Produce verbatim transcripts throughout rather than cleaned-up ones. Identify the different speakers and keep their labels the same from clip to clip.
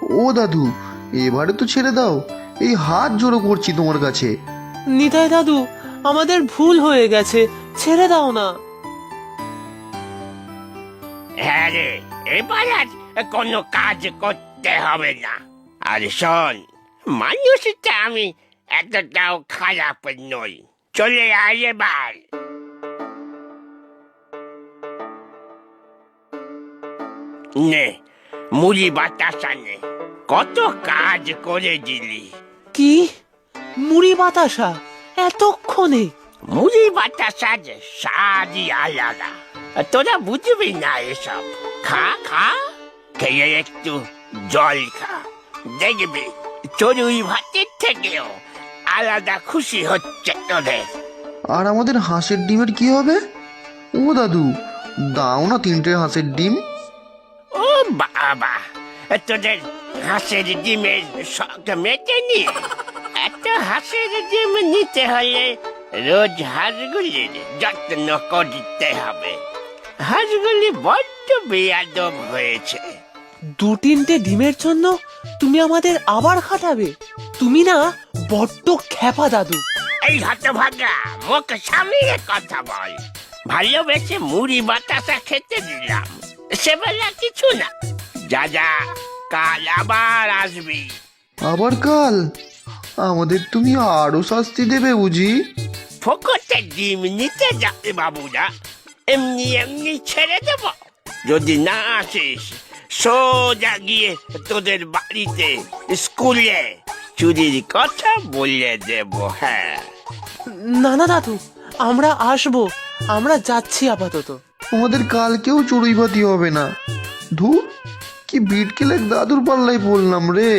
Speaker 1: ও দাদু, এবারে তো ছেড়ে দাও, এই হাত জোড়ো করছি তোমার কাছে।
Speaker 2: নিতাই দাদু, আমাদের ভুল হয়ে গেছে, ছেড়ে দাও না।
Speaker 3: হ্যাঁ রে, এবার আর কোনো কাজ করতে হবে না। আর শোন, মানুষটা আমি এতটাও খারাপ নই। চলে আয় এবার। নে, মুড়ি বাতাসা নে, কত কাজ করে দিলি।
Speaker 2: কি মুড়ি বাতাসা এতক্ষণে?
Speaker 3: মুড়ি বাতাসা যে স্বাদই আলাদা, তোরা বুঝবি না এসব। খা খা, খেয়ে একটু জল খা, দেখবি চড়ুই ভাতের থেকেও আলাদা খুশি হচ্ছে তোদের।
Speaker 1: আর আমাদের হাঁসের ডিমের কি হবে? ও দাদু, দাও না তিনটে হাঁসের ডিম।
Speaker 3: ও বাবা, তোদের হাঁসের ডিমের শখ মেটেনি? এত হাঁসের ডিম নিতে হলে রোজ হাঁসগুলির যত্ন করতে হবে। হাঁসগুলি বড্ড বেয়াদব হয়েছে।
Speaker 2: দু তিনটে ডিমের জন্য তুমি আমাদের আবার খাটাবে? তুমি না বড্ড খ্যাপা দাদু।
Speaker 3: এই হতভাগা, মুখ সামলে কথা বল। ভালোবেসে মুড়ি বাতাসা খেতে দিলাম, সেবেলা কিছু না। যা যা, কাল আবার আসবি।
Speaker 1: আবার কাল? আমাদের তুমি আরো শাস্তি দেবে বুঝি?
Speaker 3: ফোকটে ডিম নিতে যাবে বাবুরা, এমনি এমনি ছেড়ে দেব? যদি না আসিস, সোজা গিয়ে তোদের বাড়িতে স্কুলে চুরির কথা বলে দেব। হ্যাঁ,
Speaker 2: না না দাদু, আমরা আসবো, আমরা যাচ্ছি আপাতত।
Speaker 1: আমাদের কালকেও চড়ুই ভাতি হবে না। ধুর, কি বিটকেল এক দাদুর পাল্লায় পড়লাম রে।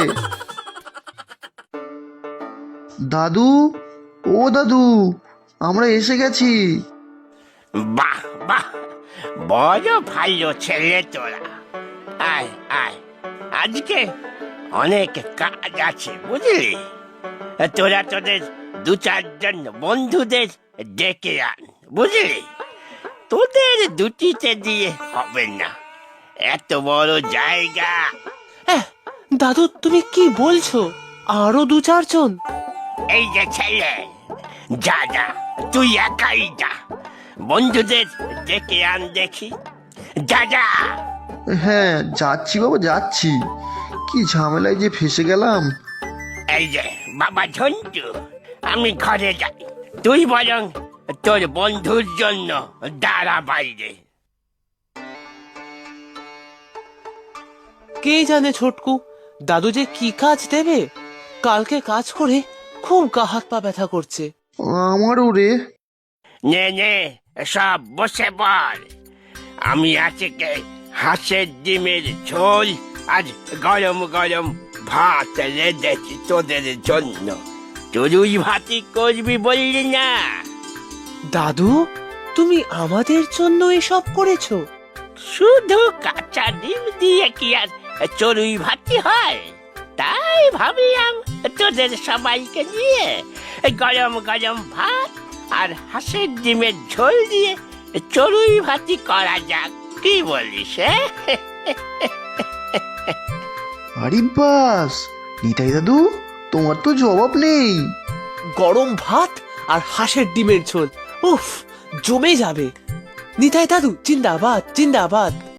Speaker 1: দাদু, ও দাদু, আমরা এসে গেছি।
Speaker 3: বাহ বাহ, বড় ভালো ছেলে তোরা। আয় আয়, আজকে অনেক কাজ আছে বুঝলি। তোরা তোদের দু চারজন বন্ধুদের ডেকে আন, বুঝলি। তোদের দুটিতে দিয়ে হবে না, এত বড় জায়গা।
Speaker 2: এহ, দাদু তুমি কি বলছো? আরো দু চারজন?
Speaker 3: এই যে ছেলে, যা যা, তুই একাই যা, বন্ধুদের ডেকে আন দেখি। যা যা।
Speaker 1: হ্যাঁ যাচ্ছি বাবা, যাচ্ছি। কি ঝামেলায় যে ফেসে গেলাম।
Speaker 3: এই যে বাবা ঝন্টু, আমি ঘরে যাই, তুই বরং তোর বন্ধুর জন্য দাঁড়া বাইরে।
Speaker 2: কে জানে ছোটকু, দাদু যে কি কাজ দেবে। কালকে কাজ করে খুব গা হাত পা ব্যথা করছে।
Speaker 1: আমারও রে।
Speaker 3: নে নে, সব বসে পড়। আমি আজকে হাঁসের ডিমের ঝোল আজ গরম গরম ভাত রেঁধেছি তোদের জন্য। চড়ুই ভাতি করবি বললি না?
Speaker 2: দাদু, তুমি আমাদের জন্য এসব করেছো?
Speaker 3: শুধু কাঁচা ডিম দিয়ে কি আর চড়ুই ভাতি হয়? তাই ভাবলাম তোদের সবাইকে নিয়ে গরম গরম ভাত আর হাঁসের ডিমের ঝোল দিয়ে চড়ুই ভাতি করা যাক, কি বলিস?
Speaker 1: আরে বাস, নিতাই দাদু, তোমার তো জবাব নেই।
Speaker 2: গরম ভাত আর হাঁসের ডিমের ঝোল, উফ, জমে যাবে। নিতাই দাদু জিন্দাবাদ, জিন্দাবাদ।